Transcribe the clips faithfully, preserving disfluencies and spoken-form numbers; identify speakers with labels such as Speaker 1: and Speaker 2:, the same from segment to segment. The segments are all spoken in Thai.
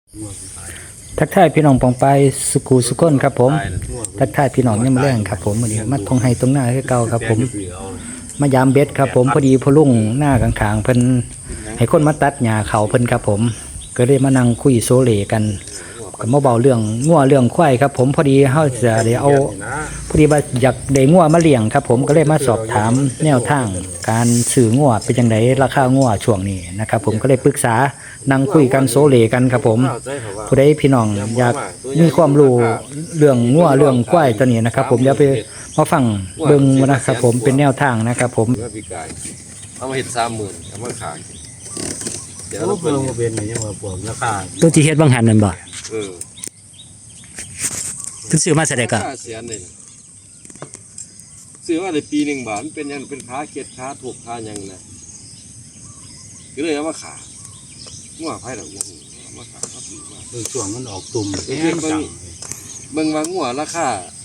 Speaker 1: ทักทายพี่น้องปองไปสุขูสุขคนครับผมทักทายพี่น้องเนี่ยมาแรงครับผมวันนี้มาทงไห้ตรงหน้าคือเก่าครับผมมายามเบ็ดครับผมพอดีพอลุ่งหน้าข้างๆเพิ่นให้คนมาตัดหญ้าเขาเพิ่นครับผมก็เลยมานั่งคุยโซเลกันก็มาเบาเรื่องงัวเรื่องควายครับผมพอดีเฮาจะได้เอาพอดีว่าอยากได้งัวมาเลี้ยงครับผมก็เลยมาสอบถามแนวทางการซื้องัวเป็นจังไดราคางัวช่วงนี้นะครับผมก็เลยปรึกษานั่งคุยกันโซเลกันครับผมผู้ใดพี่น้องอยากมีความรู้เรื่องงัวเรื่องควายตัวนี้นะครับผมเดี๋ยวไปมาฟังเบิ่งนะครับผมเป็นแนวทางนะครับผม
Speaker 2: เอามาเห็ดสามหมื่นเอามาขาย
Speaker 3: เดี๋ยวเราเพิ่มมาเป็นอย่างว่าพวกราคา
Speaker 1: ตัวที่เฮ็ดบางหันนั่นบ่
Speaker 2: เออ
Speaker 1: เพิ่นซื้อมาแสดงก็
Speaker 2: เสียนเลยซื้อมาในปีหนึ่งบาทมันเป็นยังเป็นค้าเก็ดค้าถูกค้ายังนะก็เลยเอามาขายงัวไผ่หลังงัวเอามาขายครับดีมาก
Speaker 3: เบิ่งช่วงมันออกตุ่ม
Speaker 2: เบิ่งเบิ่งว่างัวราคา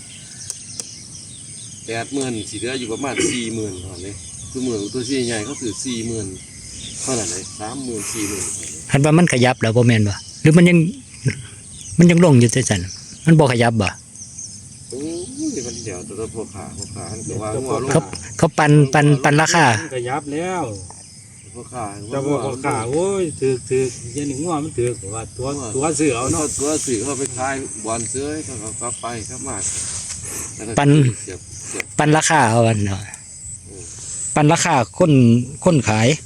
Speaker 2: แปดหมื่นสีเหลืออยู่ประมาณสี่หมื่นเท่านั้นเลยตัวเหมือนตัวสีใหญ่เขาถือสี่หมื่นเท่านั้นเลยสามหมื่นสี่หมื่น
Speaker 1: เห็นว่ามันขยับแล้วบ่แม่นบ่หรือมันยังมันยังลงอยู่จังซั่นมันบ่ขยับบ่
Speaker 2: โอ้ยมันเดี๋ยวตัวพวกขาพวกขาอันก็ว่างัวลง
Speaker 1: เขาเขาปันปันปันราคา
Speaker 3: ขยับแล้ว
Speaker 2: พวกขา
Speaker 3: แต่พวกขาโอ้ยถือถือยันหนึ่งงัวมันถือว่าตัวตัวเสือเอาเนาะ
Speaker 2: ตัวเสือเขาไปขายบอลเสือเขาก็กลับไปครับมาก
Speaker 1: ปันปันราคาเอาวันเนาะปันราคาคนคนขาย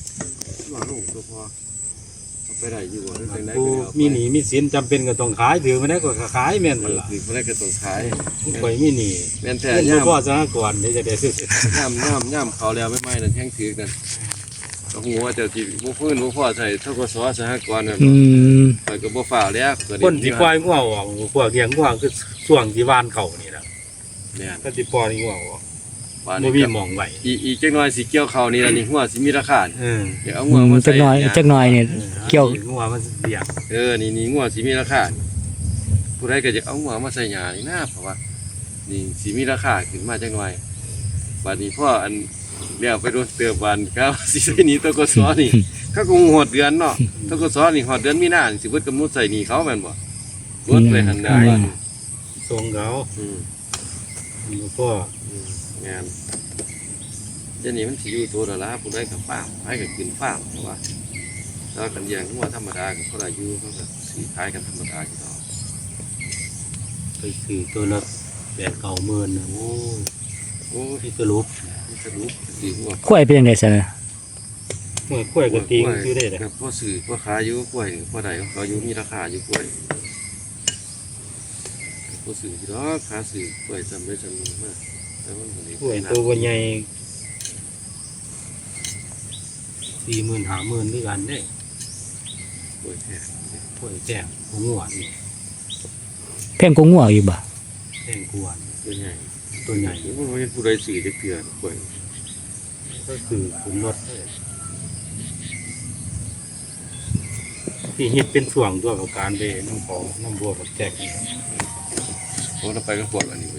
Speaker 3: กูมีหนีมีสินจำเป็นก็ต้องขายถือมาได้ก็ขายแม่นมันล่ะ
Speaker 2: ถือมาได้ก็ต้องขาย
Speaker 3: ไปมีหนี
Speaker 2: แม่นแต่
Speaker 3: ย่ามพ่อสหกรณ์นี่จะได้ซื้
Speaker 2: อย่ามย่ามย่ามเขาแล้วไม่ไม่นั่นแห้งถือกันต้องหัวเจ้าที่บุพื้นบุพ่อใส่เท่ากับสอสหกรณ์นั่นใส่กับบุฝ่าแล้ว
Speaker 3: คนที่ปล่อยงัวออกพวกเลี้ยงงัวคือส่วงที่วานเขานี่แหละ
Speaker 2: เนี่ย
Speaker 3: ก็ที่ปล่อยงัวออกบ่มีหม่องไว้
Speaker 2: อีอีจักหน่อยสิเกี่ยวเขานี่ล่ะนี่หัวสิมีราคา
Speaker 3: เออ
Speaker 2: เดี๋ยวเอางัวมาใส่
Speaker 1: จักหน่อยจักหน่อยนี่เกี่ยว
Speaker 3: งัวมันเลี้ยง
Speaker 2: เออนี่นี่งัวสิมีราคาผู้ใดก็จะเอางัวมาใส่หญ้านี่นะเพราะว่านี่สิมีราคาขึ้นมาจักหน่อยบัดนี้พ่ออันเลี้ยวไปโดนเตือบานครับสิใส่นี่ตกสนี่เขาคงหดเดือนเนาะตกสนี่หดเดือนมีนาสิเบิดกำหนดใส่นี่เขาแม่นบ่เบิดไปหันได้
Speaker 3: ส่งเขา
Speaker 2: อืม
Speaker 3: พ่
Speaker 2: งานเดี๋ยวนี้มันสิอยู่ตัวละละผู้ใดกับฟาร์มให้กับกินฟาร์มเพราะว่าถ้ากันอย่างงัวธรรมดากับเขาได้อยู่เขาก็สีขายกันธรรมดาอยู่ต่อ
Speaker 3: ไปซื้อตัวละแปดเก้าหมื่นโอ้โอ้ที่สรุป
Speaker 2: สรุปสีงัว
Speaker 1: กล้วยเป็นยังไงซะนะ
Speaker 3: เมื่อกล้วยก็ตีซื้อได้เลย
Speaker 2: พ่อสื่อพ่อขายอยู่กล้วยพ่อใดเขาอยู่มีราคาอยู่กล้วยพ่อสื่อที่ล้อขาสื่อกล้วยจำได้จำนวนมาก
Speaker 3: กล้วยตัวใหญ่สี่หมื่นห้าหมื่นด้วยกันได้
Speaker 2: กล้วยแท้
Speaker 3: กล้วยแท้หัวงัวนี่
Speaker 1: แพงกว่างัวอยู่บ่
Speaker 3: แพงกว่า
Speaker 2: ตัวใหญ่
Speaker 3: ตัวใหญ่
Speaker 2: ผู้ใดผู้ใดสื่อจะเกลือกล้วย
Speaker 3: ก็คือผมลดที่ฮิตเป็นช่วงตัวกับการไปน้ำของน้ำบัวกับแจกนี่
Speaker 2: ผมจะไปกับพวกอันนี้ไป